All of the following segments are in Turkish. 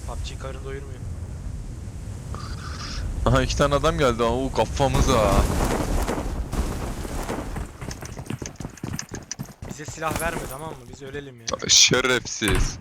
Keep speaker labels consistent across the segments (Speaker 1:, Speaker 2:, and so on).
Speaker 1: PUBG karın doyurmuyor.
Speaker 2: Aha 2 tane adam geldi. Oo kafamıza.
Speaker 1: Bize silah verme, tamam mı? Biz ölelim ya.
Speaker 2: Şerefsiz.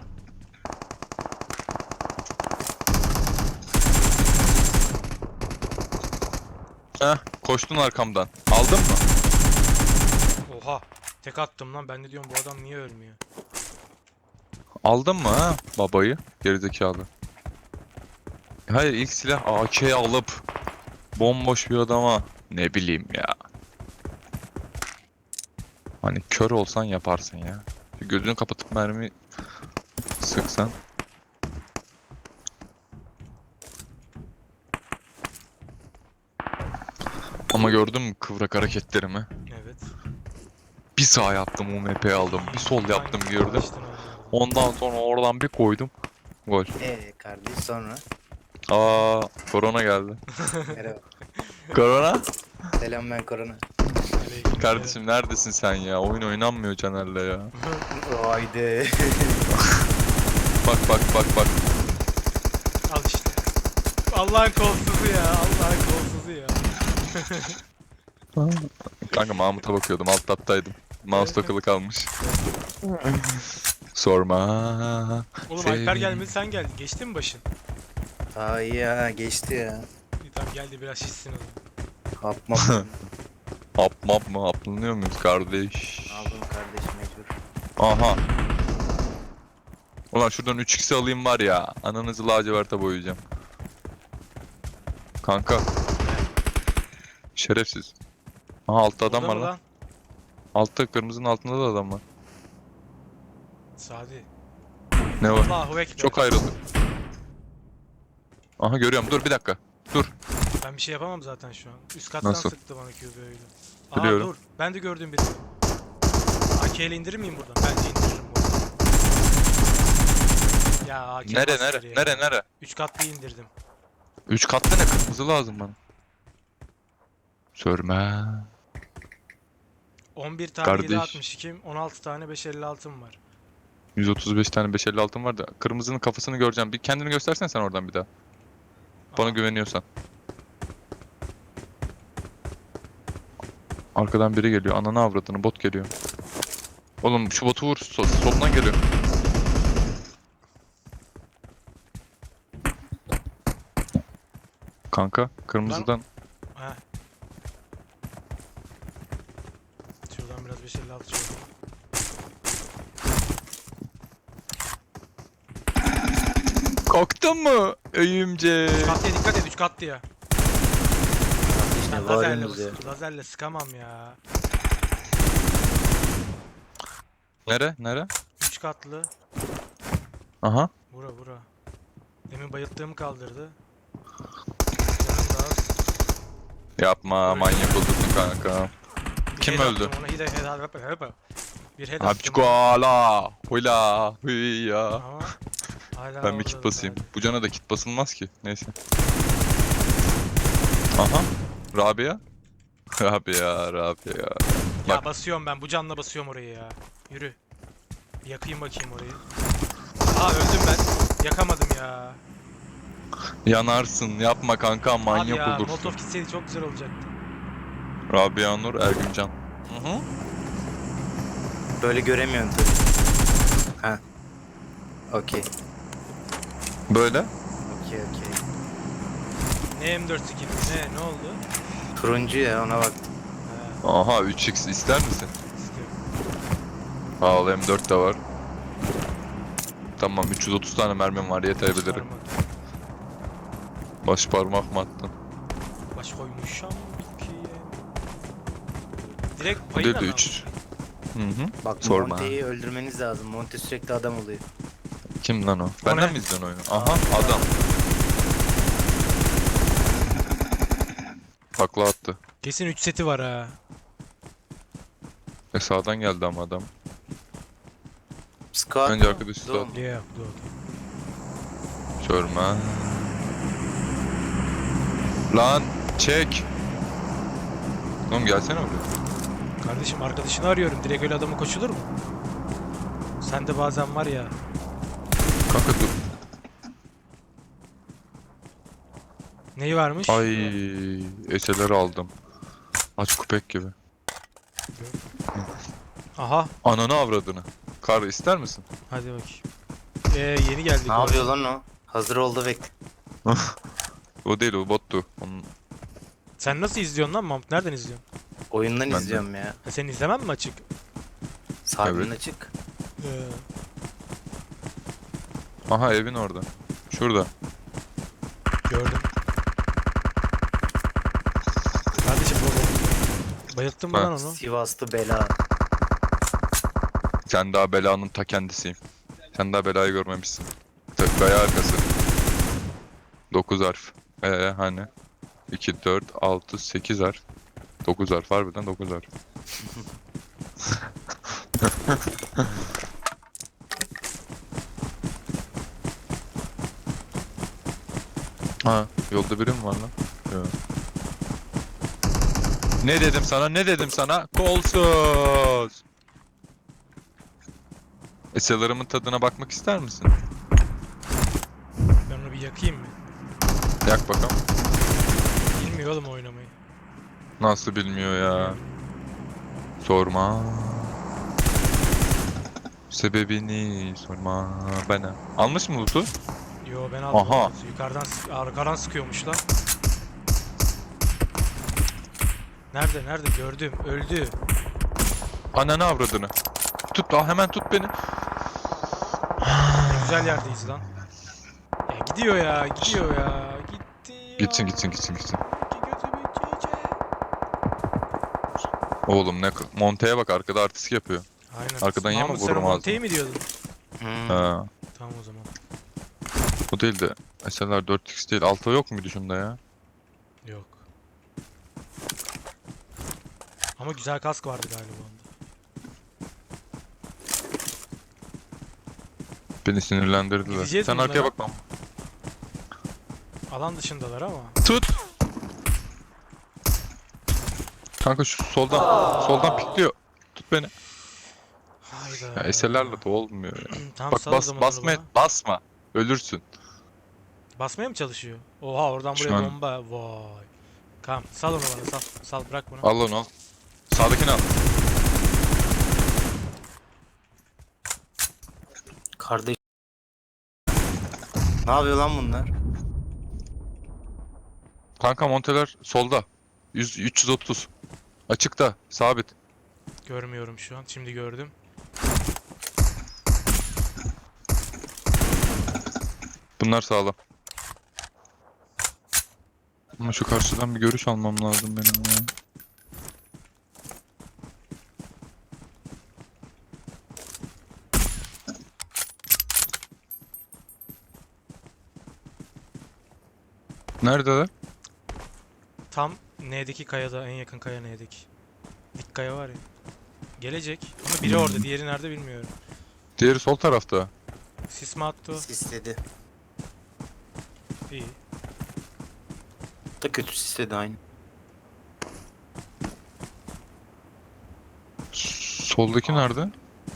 Speaker 2: Heh koştun arkamdan. Aldın mı?
Speaker 1: Oha. Tek attım lan. Ben de diyorum bu adam niye ölmüyor?
Speaker 2: Aldın mı ha babayı? Gerizekalı. Hayır ilk silah AK'yi alıp bomboş bir adama ne bileyim ya. Hani kör olsan yaparsın ya. Gözünü kapatıp mermi sıksan. Ama gördün mü kıvrak hareketlerimi?
Speaker 1: Evet.
Speaker 2: Bir sağ yaptım UMP'yi aldım. Bir sol yaptım gördüm.
Speaker 1: Kaçtın onlardan.
Speaker 2: Ondan sonra oradan bir koydum. Gol.
Speaker 3: Kardeş sonra.
Speaker 2: Aa, korona geldi.
Speaker 3: Merhaba.
Speaker 2: Korona?
Speaker 3: Selam, ben Korona.
Speaker 1: Aleyküm
Speaker 2: Kardeşim neredesin sen ya? Oyun oynanmıyor Caner'le ya.
Speaker 3: Haydi.
Speaker 2: Bak bak bak bak.
Speaker 1: Al işte. Allah'ın kolsuzu ya. Allah'ın kolsuzu ya.
Speaker 2: Kanka Mahmut'a bakıyordum. Alt taptaydım. Mouse takılı kalmış. Sorma.
Speaker 1: Oğlum Alper gelmedi, sen geldin. Geçti mi başın?
Speaker 3: Aa iyi ya, geçti ya.
Speaker 1: İyi, tamam geldi, biraz şişsin o zaman.
Speaker 3: Hapma.
Speaker 2: Hap map mı? Haplanıyor muyuz kardeş?
Speaker 3: Aldım kardeş, mecbur.
Speaker 2: Aha. Ulan şuradan 3x'i alayım var ya. Ananızı laciverta boyayacağım. Kanka. Şerefsiz. Aha altta adam
Speaker 1: Burada
Speaker 2: var
Speaker 1: mı
Speaker 2: lan. Altta kırmızının altında da adam var.
Speaker 1: Sadi.
Speaker 2: Ne var?
Speaker 1: Allahu Ekber.
Speaker 2: Çok ayrıldık. Aha görüyorum. Dur bir dakika. Dur.
Speaker 1: Ben bir şey yapamam zaten şu an. Üst kattan
Speaker 2: Nasıl?
Speaker 1: sıktı bana QB'yle.
Speaker 2: Biliyorum.
Speaker 1: Dur. Ben de gördüm birini. AK ile indirir miyim buradan? Bence indiririm buradan. Ya AK
Speaker 2: Nere?
Speaker 1: 3 katlı indirdim.
Speaker 2: 3 katlı ne? Kırmızı lazım bana. Sörme.
Speaker 1: 11 tane
Speaker 2: Kardeş.
Speaker 1: 7.62, 16 tane 5.56'm var.
Speaker 2: 135 tane 550 altın var da kırmızının kafasını göreceğim. Bir kendini göstersen sen oradan bir daha. Bana
Speaker 1: Aa,
Speaker 2: güveniyorsan. Arkadan biri geliyor. Ananı avradını bot geliyor. Oğlum şu botu vur. Solundan geliyor. Kanka kırmızıdan.
Speaker 1: Heh. Şuradan biraz 5.56 şöyle.
Speaker 2: Kalktın mı? Öyümce.
Speaker 1: 3 katlıya dikkat et, 3 katlıya.
Speaker 3: İşte
Speaker 1: Ben lazerle,
Speaker 3: varınız ya.
Speaker 1: lazerle sıkamam ya.
Speaker 2: Nere?
Speaker 1: 3 katlı.
Speaker 2: Aha.
Speaker 1: Bura. Demin bayılttığımı kaldırdı. Canım da az.
Speaker 2: Yapma manyak olursun kanka.
Speaker 1: Bir
Speaker 2: Kim
Speaker 1: head
Speaker 2: öldü?
Speaker 1: attım ona, bir head
Speaker 2: Hapçiko
Speaker 1: attım.
Speaker 2: ala. Hula. Hıya.
Speaker 1: Ama hala
Speaker 2: Ben bir
Speaker 1: orada
Speaker 2: kit basayım.
Speaker 1: hala.
Speaker 2: Bu cana da kit basılmaz ki. Neyse. Aha. Rabia. Rabia.
Speaker 1: Ya
Speaker 2: Bak.
Speaker 1: basıyorum ben, bu canla basıyorum orayı ya. Yürü. Bir yakayım bakayım orayı. Aa, öldüm ben. Yakamadım ya.
Speaker 2: Yanarsın. Yapma kanka
Speaker 1: Abi
Speaker 2: manyak
Speaker 1: ya,
Speaker 2: olursun.
Speaker 1: Molotov gitseydi çok güzel olacaktı.
Speaker 2: Rabia Nur Ergüncan. Hı.
Speaker 3: Böyle göremiyorum tabii. Ha. Okey.
Speaker 2: Böyle.
Speaker 3: Okey.
Speaker 1: Ne M4 skin? Ne oldu?
Speaker 3: Turuncu ya, ona bak.
Speaker 1: Ha,
Speaker 2: Aha 3x ister misin?
Speaker 1: istiyorum.
Speaker 2: Al M4 de var. Tamam 330 tane mermim var yetebilirim.
Speaker 1: Parmak.
Speaker 2: Baş parmak mı attın?
Speaker 1: Baş koymuşam Türkiye. Direkt
Speaker 2: Bu
Speaker 1: payıyla
Speaker 2: değil de
Speaker 1: mı
Speaker 2: 3. Hı.
Speaker 3: Bak,
Speaker 2: Sorma.
Speaker 3: Monte'yi öldürmeniz lazım. Monte sürekli adam oluyor.
Speaker 2: Kim lan o?
Speaker 1: O
Speaker 2: Benden
Speaker 1: ne?
Speaker 2: mi izliyorsun oyunu? Aha adam. Takla attı.
Speaker 1: Kesin 3 seti var ha.
Speaker 2: Sağdan geldi ama adam.
Speaker 3: Squad
Speaker 2: Önce
Speaker 3: mı?
Speaker 2: arkadaşı
Speaker 3: Doğru
Speaker 2: da-
Speaker 3: mu?
Speaker 1: Yok, dur.
Speaker 2: Görme. Lan çek. Oğlum gelsene buraya.
Speaker 1: Kardeşim, arkadaşını arıyorum. Direkt öyle adamı koşulur mu? Sen de bazen var ya.
Speaker 2: Kanka dur.
Speaker 1: Neyi varmış?
Speaker 2: Ay, eseleri aldım. Aç köpek gibi.
Speaker 1: Aha.
Speaker 2: Ananı avradını. Kar ister misin?
Speaker 1: Hadi bakayım. Yeni geldik.
Speaker 3: Ne yapıyor lan o? Hazır oldu bekle.
Speaker 2: O değil, o bottu. Onun...
Speaker 1: Sen nasıl izliyorsun lan Mahmut? Nereden izliyorsun?
Speaker 3: Oyundan
Speaker 2: Ben de.
Speaker 3: izliyorum ya.
Speaker 1: Sen izlemem mi açık?
Speaker 3: Sahibinin
Speaker 2: Evet.
Speaker 3: açık.
Speaker 1: Ee,
Speaker 2: Aha, evin orada. Şurada.
Speaker 1: gördüm. Kardeşim bayılttın mı
Speaker 2: Ha.
Speaker 1: lan onu?
Speaker 3: Sivaslı bela.
Speaker 2: Sen daha belanın ta kendisiyim. Sen daha belayı görmemişsin. Gaya arkası. 9 harf. Hani? 2, 4, 6, 8 harf. 9 harf, harbiden 9 harf. Ha, yolda biri mi var lan? Yok. Ne dedim sana? Ne dedim sana? Kolsuz. Eserlerimin tadına bakmak ister misin?
Speaker 1: Ben onu bir yakayım mı?
Speaker 2: Yak bakalım.
Speaker 1: Bilmiyor oğlum oynamayı.
Speaker 2: Nasıl bilmiyor ya? Sorma. Sebebini sorma bana. Almış mı loot'u?
Speaker 1: Yo ben aldım.
Speaker 2: Aha.
Speaker 1: Yukarıdan arkadan sıkıyormuş lan. Nerede? Nerede? Gördüm. Öldü.
Speaker 2: Ananı avradını. Tut, hemen tut beni.
Speaker 1: Ne güzel yerdeyiz lan. Ya gidiyor ya. Gidiyor ya. Gitti ya.
Speaker 2: Gitsin gitsin gitsin gitsin.
Speaker 1: Gözümün çiçeği.
Speaker 2: Oğlum ne Monte'ye bak, arkada artistik yapıyor.
Speaker 1: Aynen.
Speaker 2: Arkadan yeme,
Speaker 1: Mahmut, sen
Speaker 2: vururum
Speaker 1: o Monte'yi
Speaker 2: ağzına.
Speaker 1: mi diyordun?
Speaker 3: Hmm.
Speaker 2: Ha,
Speaker 1: Tamam o zaman.
Speaker 2: bu değil de SLR 4X değil. Alto yok muydu şunda ya?
Speaker 1: Yok. Ama güzel kask vardı galiba onda.
Speaker 2: Beni sinirlendirdiler.
Speaker 1: Gideceğiz
Speaker 2: Sen
Speaker 1: mi
Speaker 2: arkaya
Speaker 1: bunlara?
Speaker 2: bak lan.
Speaker 1: Alan dışındalar ama.
Speaker 2: Tut. Kanka şu soldan pikliyor. Tut beni.
Speaker 1: Hayda.
Speaker 2: Ya SLR'le de olmuyor ya.
Speaker 1: Tamam,
Speaker 2: Bak
Speaker 1: sal o zaman onu
Speaker 2: basma
Speaker 1: bana.
Speaker 2: basma. Ölürsün.
Speaker 1: Basmaya mı çalışıyor? Oha, oradan
Speaker 2: Şu
Speaker 1: buraya
Speaker 2: an-
Speaker 1: bomba. Vay. Tamam, sal onu bana, sal. Sal, bırak bunu.
Speaker 2: Al onu al. Sağdakini al.
Speaker 3: Kardeş. Ne yapıyor lan bunlar?
Speaker 2: Kanka monteler solda. 330. Açıkta. Sabit.
Speaker 1: Görmüyorum şu an. Şimdi gördüm.
Speaker 2: Bunlar sağlam. Ama şu karşıdan bir görüş almam lazım benim ya. Neredeler?
Speaker 1: Tam N'deki kayada, en yakın kaya N'deki. Dik kaya var ya. Gelecek. Ama biri orada, diğeri nerede bilmiyorum.
Speaker 2: Diğeri sol tarafta.
Speaker 1: Sis mi attı o?
Speaker 3: Sisledi.
Speaker 1: İyi.
Speaker 3: Da kötü sisledi aynı.
Speaker 2: Soldaki nerede?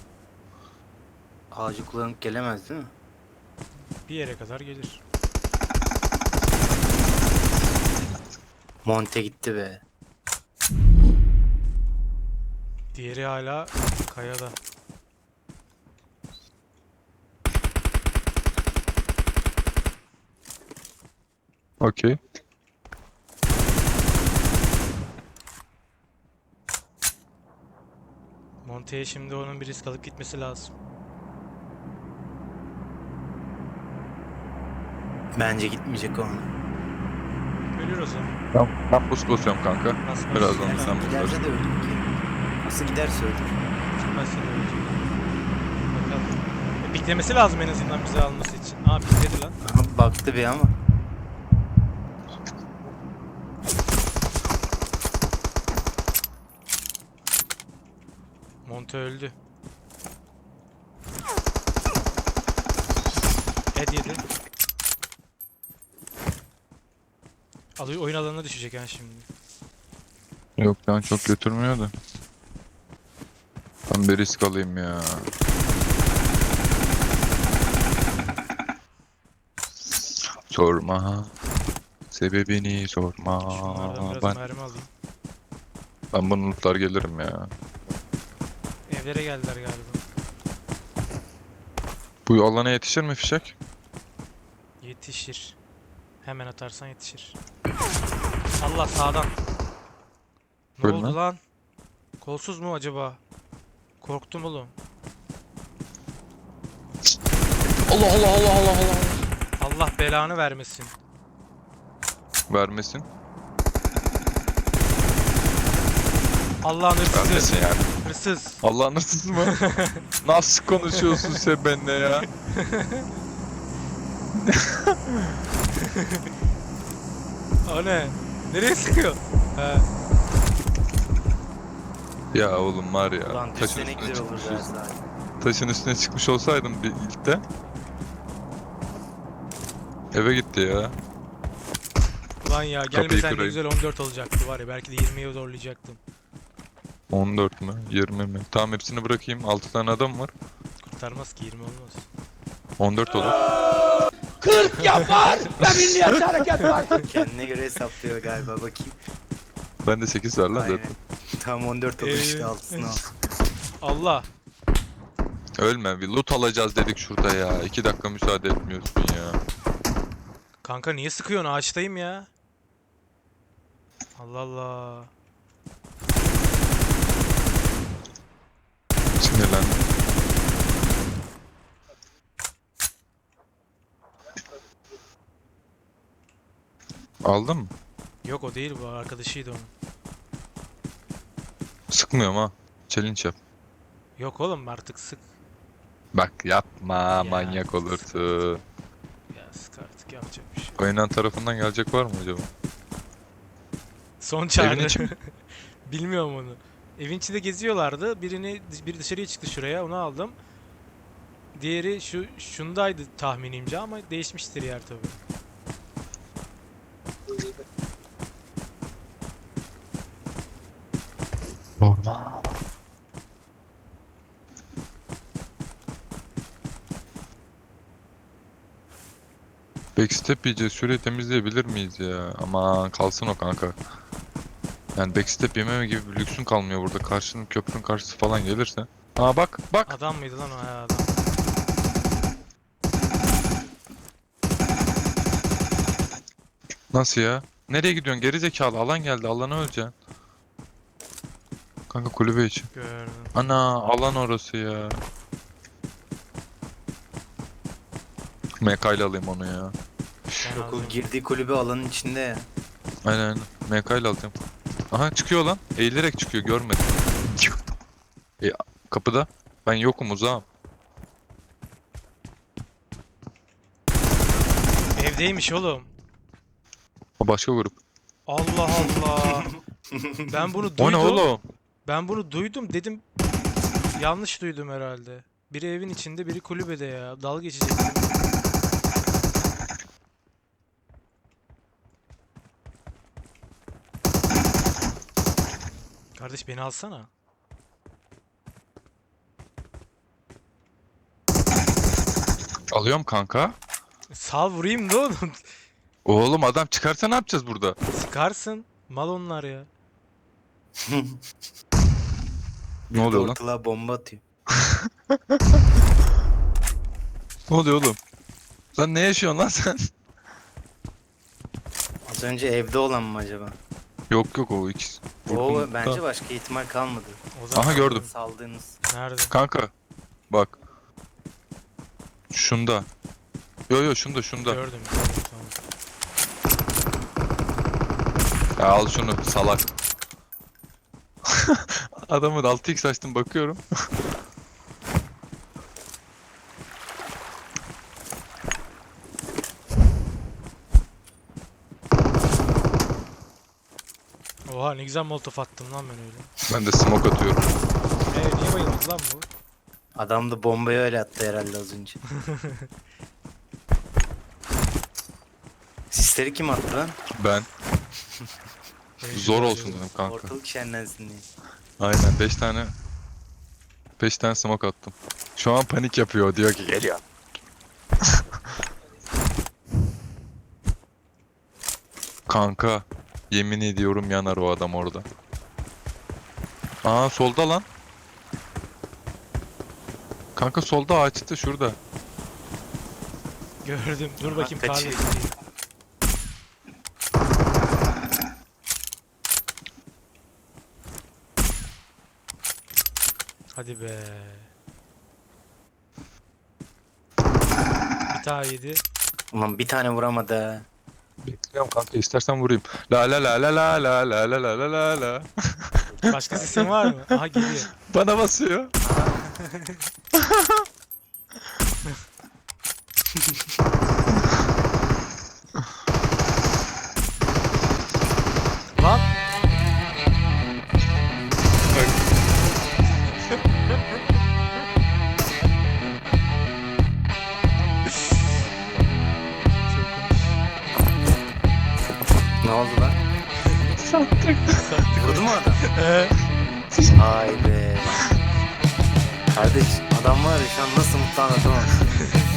Speaker 3: Ağacı kullanıp gelemez değil mi?
Speaker 1: Bir yere kadar gelir.
Speaker 3: Monte gitti be.
Speaker 1: Diğeri hala kayada.
Speaker 2: Okey.
Speaker 1: Monte'ye şimdi onun bir risk alıp gitmesi lazım.
Speaker 3: Bence gitmeyecek onu.
Speaker 1: Ölür o zaman.
Speaker 2: Ben boost basıyorum kanka.
Speaker 1: Bas, bas.
Speaker 2: Birazdan
Speaker 1: Giderse-
Speaker 2: sen
Speaker 3: Giderse
Speaker 2: bulursun.
Speaker 3: de öldür ki. Nasıl giderse öldür.
Speaker 1: Gitmezse de ölecek. Bakalım. Piklemesi lazım en azından bizi alması için. Aa, pikledi lan.
Speaker 3: Aha, baktı bir ama.
Speaker 1: Monte öldü. Head yedi. Alıyor, oyun alanına düşecek yani şimdi.
Speaker 2: Yok ben çok götürmüyor da. Ben bir risk alayım ya. Sorma. Sebebini sorma.
Speaker 1: Şunlardan biraz
Speaker 2: Ben,
Speaker 1: mermi alayım.
Speaker 2: ben bunu lootlar gelirim ya.
Speaker 1: Evlere geldiler galiba.
Speaker 2: Bu alana yetişir mi fişek?
Speaker 1: Yetişir. Hemen atarsan yetişir. Allah sağdan. Ne
Speaker 2: Böyle
Speaker 1: oldu
Speaker 2: mi?
Speaker 1: lan? Kolsuz mu acaba? Korktum oğlum.
Speaker 2: Allah Allah Allah Allah Allah.
Speaker 1: Allah belanı vermesin.
Speaker 2: Vermesin.
Speaker 1: Allah'ın hırsızı.
Speaker 2: Vermesin yani.
Speaker 1: Hırsız.
Speaker 2: Allah'ın hırsızı mı? Nasıl konuşuyorsun sen benimle ya?
Speaker 1: O ne? Nereye sıkıyor? He.
Speaker 2: Ya oğlum var ya.
Speaker 3: Ulan
Speaker 2: Taşın
Speaker 3: düşsene
Speaker 2: üstüne
Speaker 3: güzel olur
Speaker 2: çıkmış,
Speaker 3: biraz daha.
Speaker 2: taşın üstüne çıkmış olsaydım bir ilkte. Eve gitti ya.
Speaker 1: Ulan ya
Speaker 2: Kapıyı
Speaker 1: gelmesen ne
Speaker 2: kırayım.
Speaker 1: güzel 14 olacaktı var ya. Belki de 20'ye zorlayacaktım.
Speaker 2: 14 mü? 20 mi? Tamam hepsini bırakayım. 6 tane adam var.
Speaker 1: Kurtarmaz ki 20 olmaz.
Speaker 2: 14 olur.
Speaker 4: 40 yapar ve milliyetçi hareket var.
Speaker 3: Kendine göre hesaplıyor galiba, bakayım.
Speaker 2: Bende 8 var lan
Speaker 3: Aynen.
Speaker 2: zaten.
Speaker 3: Tam 14 olur işte,
Speaker 1: Ee,
Speaker 3: altısını al.
Speaker 1: Allah.
Speaker 2: Ölme, bir loot alacağız dedik şurada ya. 2 dakika müsaade etmiyorsun ya.
Speaker 1: Kanka niye sıkıyorsun? Ağaçtayım ya. Allah Allah.
Speaker 2: Sinirlendim. Aldın mı?
Speaker 1: Yok o değil bu. Arkadaşıydı onun.
Speaker 2: Sıkmıyorum ha. Challenge yap.
Speaker 1: Yok oğlum artık sık.
Speaker 2: Bak yapma,
Speaker 1: Ya.
Speaker 2: manyak olursun.
Speaker 1: Ya sık artık yapacak bir şey.
Speaker 2: Oynan tarafından gelecek var mı acaba?
Speaker 1: Son çağrı.
Speaker 2: Evin içi mi?
Speaker 1: Bilmiyorum onu. Evin içinde geziyorlardı. Biri dışarıya çıktı şuraya. Onu aldım. Diğeri şundaydı tahminimce ama değişmiştir yer tabii.
Speaker 2: Normal. Backstep yiyeceğiz. Şurayı temizleyebilir miyiz ya? Aman kalsın o kanka. Yani backstep yememe gibi bir lüksün kalmıyor burada. Karşının köprünün karşısı falan gelirse. Aa bak bak.
Speaker 1: Adam mıydı lan o? Ha, adam.
Speaker 2: Nasıl ya? Nereye gidiyorsun? Geri zekalı. Alan geldi. Alana öleceksin. Kanka kulübe için.
Speaker 1: Gördüm.
Speaker 2: Ana alan orası ya. MK ile alayım onu ya.
Speaker 1: Ben
Speaker 3: Yok, o
Speaker 1: aldım.
Speaker 3: girdiği kulübe alanın içinde ya.
Speaker 2: Aynen aynen. MK ile alacağım. Aha çıkıyor lan. Eğilerek çıkıyor. Görmedim. E, kapıda. Ben yokum uzağım.
Speaker 1: Evdeymiş oğlum.
Speaker 2: O başka grup.
Speaker 1: Allah Allah. Ben bunu
Speaker 2: O
Speaker 1: duydum.
Speaker 2: ne oğlum?
Speaker 1: Ben bunu duydum dedim. Yanlış duydum herhalde. Biri evin içinde, biri kulübede ya. Dalga geçecek. Kardeş beni alsana.
Speaker 2: Alıyorum kanka.
Speaker 1: Sal vurayım da oğlum.
Speaker 2: Oğlum adam çıkarsa ne yapacağız burada?
Speaker 1: Sıkarsın. Mal onlar ya.
Speaker 2: Ne oluyor lan?
Speaker 3: Ortalığa bomba atıyor.
Speaker 2: Ne oluyor oğlum? Lan ne yaşıyorsun lan sen?
Speaker 3: Az önce evde olan mı acaba?
Speaker 2: Yok yok o ikisi.
Speaker 3: O
Speaker 2: Vurdum.
Speaker 3: bence başka ihtimal kalmadı.
Speaker 1: O zaman
Speaker 2: Aha gördüm.
Speaker 3: Saldığınız.
Speaker 1: nerede?
Speaker 2: Kanka. Bak. Şunda. Yo yo şunda.
Speaker 1: Gördüm, tamam.
Speaker 2: Ya al şunu salak. Adamın 6x açtım bakıyorum.
Speaker 1: Oha ne güzel molotof attım lan ben öyle.
Speaker 2: Ben de smoke atıyorum.
Speaker 1: Niye bayıldı lan bu?
Speaker 3: Adam da bombayı öyle attı herhalde az önce. Sisleri kim attı lan?
Speaker 2: Ben.
Speaker 1: Benim
Speaker 2: Zor
Speaker 1: güzel
Speaker 2: olsun
Speaker 1: bayıldı.
Speaker 2: dedim kanka.
Speaker 3: Ortalık şenlensin diye.
Speaker 2: Aynen 5 tane. 5 tane smoke attım. Şu an panik yapıyor diyor ki geliyor. Kanka yemin ediyorum yanar o adam orada. Aa solda lan. Kanka solda ağaçta şurada.
Speaker 1: Gördüm. Dur bakayım
Speaker 3: kaçıyor.
Speaker 1: tarla. Hadi be. Bir daha yedi.
Speaker 3: Ulan bir tane vuramadı ha.
Speaker 2: Bekliyorum kanka istersen vurayım. La la la la la la la la la la la la.
Speaker 1: Başka sesin var mı? Aha geliyor.
Speaker 2: Bana basıyor.
Speaker 1: Lan.
Speaker 3: Ne oldu lan? Vurdu mu adam? Vay be. Kardeş adam var ya şu an nasıl mutlu anlatamam.